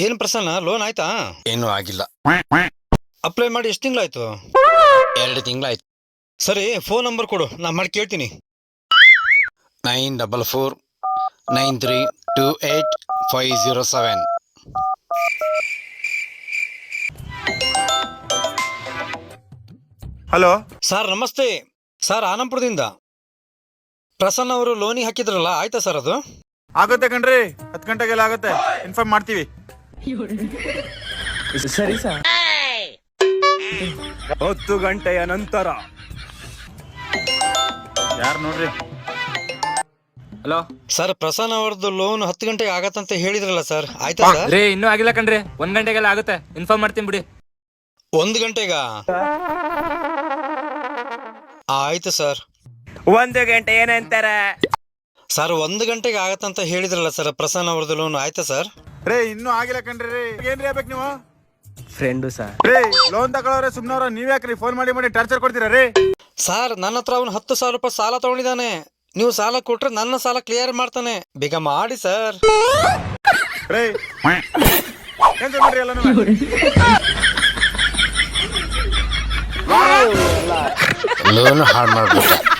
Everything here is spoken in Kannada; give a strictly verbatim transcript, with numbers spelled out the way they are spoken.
ಏನ್ ಪ್ರಸನ್ನ ಲೋನ್ ಆಯ್ತಾ? ಏನೂ ಆಗಿಲ್ಲ. ಅಪ್ಲೈ ಮಾಡಿ ಎಷ್ಟು ತಿಂಗಳಾಯ್ತು? ಎರಡು ತಿಂಗಳಾಯ್ತು. ಸರಿ, ಫೋನ್ ನಂಬರ್ ಕೊಡು, ನಾ ಮಾಡಿ ಕೇಳ್ತೀನಿ. Nine double four nine three two eight five zero seven. Hello sir ನಮಸ್ತೆ. ಸರ್ ಆನಂಪುರದಿಂದ ಪ್ರಸನ್ನ ಅವರು ಲೋನಿಗೆ ಹಾಕಿದ್ರಲ್ಲ, ಆಯ್ತಾ ಸರ್ ಅದು? ಆಗುತ್ತೆ ಕಣ್ರಿ, ಹತ್ತು ಗಂಟೆಗೆಲ್ಲ ಆಗುತ್ತೆ, ಇನ್ಫಾರ್ಮ್ ಮಾಡ್ತೀವಿ. ಸರಿ ಸರ್. ಹತ್ತು ಗಂಟೆಯ ನಂತರ ಯಾರು ನೋಡ್ರಿ. ಹಲೋ ಸರ್, ಪ್ರಸನ್ನ ಅವ್ರದ್ದು ಲೋನ್ ಹತ್ತು ಗಂಟೆಗೆ ಆಗತ್ತಂತ ಹೇಳಿದ್ರಲ್ಲ ಸರ್, ಆಯ್ತಾ ಸರ್? ರೇ ಇನ್ನೂ ಆಗಿಲ್ಲ ಕಣ್ರಿ, ಒಂದ್ ಗಂಟೆಗೆಲ್ಲ ಆಗುತ್ತೆ, ಇನ್ಫಾರ್ಮ್ ಮಾಡ್ತೀನಿ ಬಿಡಿ. ಒಂದು ಗಂಟೆಗ? ಆಯ್ತು ಸರ್. ಒಂದು ಗಂಟೆ ಏನಂತಾರ ಸರ್, ಒಂದು ಗಂಟೆಗೆ ಆಗತ್ತಂತ ಹೇಳಿದ್ರಲ್ಲ ಸರ್, ಪ್ರಸನ್ನ ಅವ್ರದ್ದು ಲೋನ್ ಆಯ್ತಾ ಸರ್? ರೇ ಇನ್ನೂ ಆಗಿಲ್ಲ ಕಣ್ರಿ. ರೇ ಏನ್ರಿ ಆಗ್ಬೇಕು ನೀವು? Friend sir. ರೇ ಲೋನ್ ತಗೊಳ್ಳೋರೆ ಸುಮ್ನವ್ರ, ನೀವ್ ಯಾಕ್ರಿ ಫೋನ್ ಮಾಡಿ ಮಾಡಿ ಟಾರ್ಚರ್ ಕೊಡ್ತೀರಾ ರೇ? ಸರ್, ನನ್ನ ಹತ್ರ ಅವ್ನು ಹತ್ತು ಸಾವಿರ ರೂಪಾಯಿ ಸಾಲ ತಗೊಂಡಿದ್ದಾನೆ. ನೀವು ಸಾಲ ಕೊಟ್ರೆ ನನ್ನ ಸಾಲ ಕ್ಲಿಯರ್ ಮಾಡ್ತಾನೆ. ಬೇಗ ಮಾಡಿ ಸರ್. ರೇ ಕ್ಯಾನ್ಸಲ್ ಮಾಡ್ರಿ ಎಲ್ಲ. ಲೋನ್ ಹಾಳು ಮಾಡ್ಬಿಟ್ಟ.